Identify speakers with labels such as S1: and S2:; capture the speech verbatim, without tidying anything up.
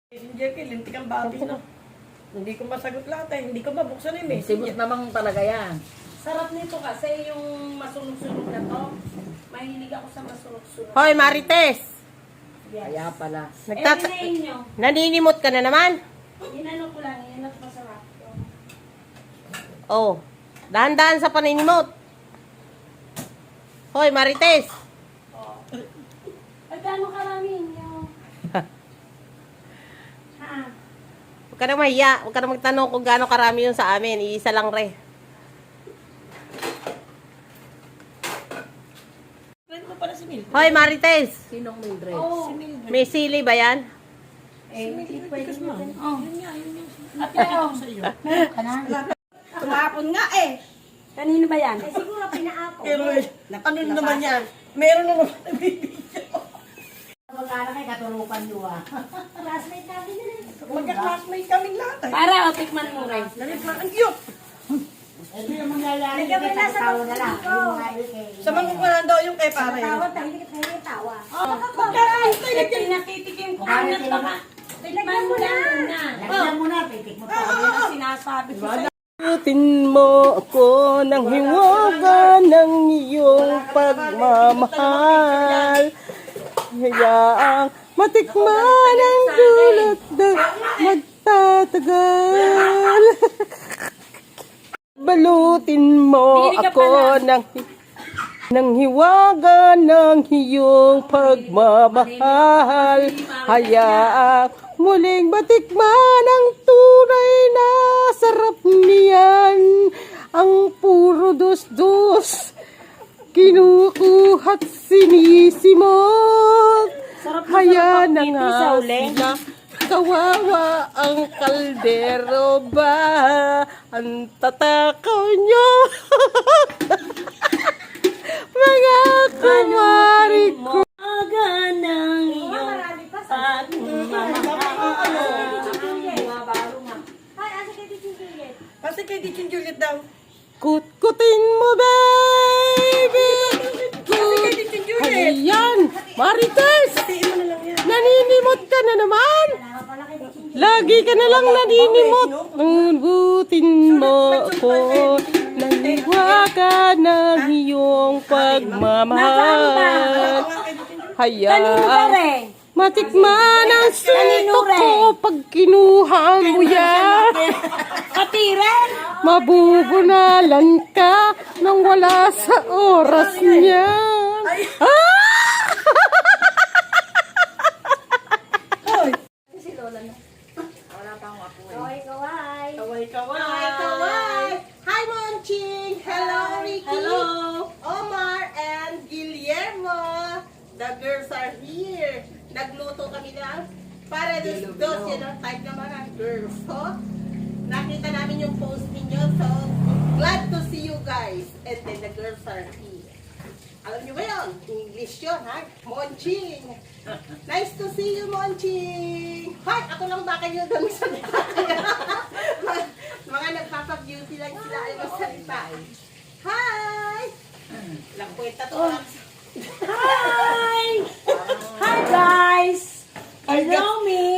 S1: Jackie, lintik ang babi na. Hindi ko masagot lahat eh. Hindi ko mabuksan yung messenger.
S2: Sibot namang talaga yan.
S3: Sarap nito kasi yung masunog-sunog na to. Mahilig ako sa masunog-sunog.
S4: Hoy, Marites!
S3: Yes.
S2: Kaya pala.
S3: Eh,
S4: Nagtata-
S3: hinayin nyo.
S4: Naninimot ka na naman?
S3: Inano ko lang, inanap masarap.
S4: Oh, dahan-dahan sa paninimot. Hoy, Marites!
S3: Oh. Ay, gaano karami nyo? Ha?
S4: Huwag ka na mahiya. Huwag ka na magtanong kung gaano karami yun sa amin. Iisa lang re.
S1: Friend mo pala si Mildred.
S4: Hoy, Marites!
S2: Sinong Mildred?
S3: Oh.
S1: Si Mildred.
S4: May sili ba yan?
S3: Eh, hindi pwede
S1: Because ma'am,
S3: natin. Oh.
S1: yun nga, yun nga. Napikita ko sa iyo.
S3: Tumapon nga eh. Kanino ba yan?
S5: Eh, siguro pinaapon.
S1: Pero eh, ano naman yan? Meron na naman nabibigyan.
S5: Magkala kay katurupan nyo ah. Classmate namin yun eh.
S1: Magka-classmate kaming lahat eh.
S3: Para, o, tikman mo rin.
S1: Lalit na, ang cute.
S5: Ito yung mangyayari
S3: Lagyan mo
S5: dito,
S3: na sa
S5: tawa na lang.
S3: pagkakas ko.
S5: Yung mga ikay.
S1: Sa mangukuhan daw yung kay pare.
S5: Tawa, tahimik at tahimik tawa.
S3: Oh, pagkakas. Eh, pinatitikim ko. Anat baka. Tikman mo lang muna.
S5: Lagyan mo na, pitik mo pa.
S3: Yan ang sinasabi ko sa'yo.
S4: Pulutin mo ako ng hiwaga ng iyong pagmamahal. Hayaang matikman ang dulot na magtatagal. Balutin mo
S3: Hindi ka
S4: ako ng ng hiwaga ng iyong pagmamahal. Hayaang muling matikman ang tunay na sarap niyan. Ang puro dos-dos, kinukuha't sinisimot. Haya na nga sila, kawawa ang kaldero ba? Ang tatakaw nyo. Mga kumari ko.
S3: Aga ng iyong pagmamahal.
S5: Hi, asa kay Titi Juliet?
S1: Kasi kay Ditch and Juliet daw.
S4: Kut-kutin mo, baby.
S1: Kasi kay Ditch and Juliet.
S4: Ayan, Marites,
S1: Hatiin mo na lang yan.
S4: naninimot ka na naman.
S5: Wala pala kay Titi Juliet.
S4: Lagi ka na lang naninimot. Nunutin mo ako. Naniwaga ng iyong pagmamahal.
S3: Kanino ba
S4: Hayaan
S3: rin?
S4: matikman ang suntok ko pag kinuha mo yan.
S3: Katiren?
S4: Mabubunalan ka nang wala sa oras niya. Ah!
S5: Kaway, kaway.
S1: Kaway, kaway.
S4: Hi, kaway! Hi, Monching! Hello, Ricky!
S1: Hello.
S4: Omar and Guillermo! The girls are here! Nagluto kami na para dos dos, yun ang type ng mga girls. So, nakita namin yung post ninyo, so glad to see you guys. And then the girls are here. Alam niyo ba yun? English yun, ha? Monching! Nice to see you, Monching! Hi! Ako lang baka nyo doon sa mga, mga nagpapag-beauty lang sila ay magsalita. Hi! Lang kwenta to lang sa...
S3: Hi! Hi guys! Hello me!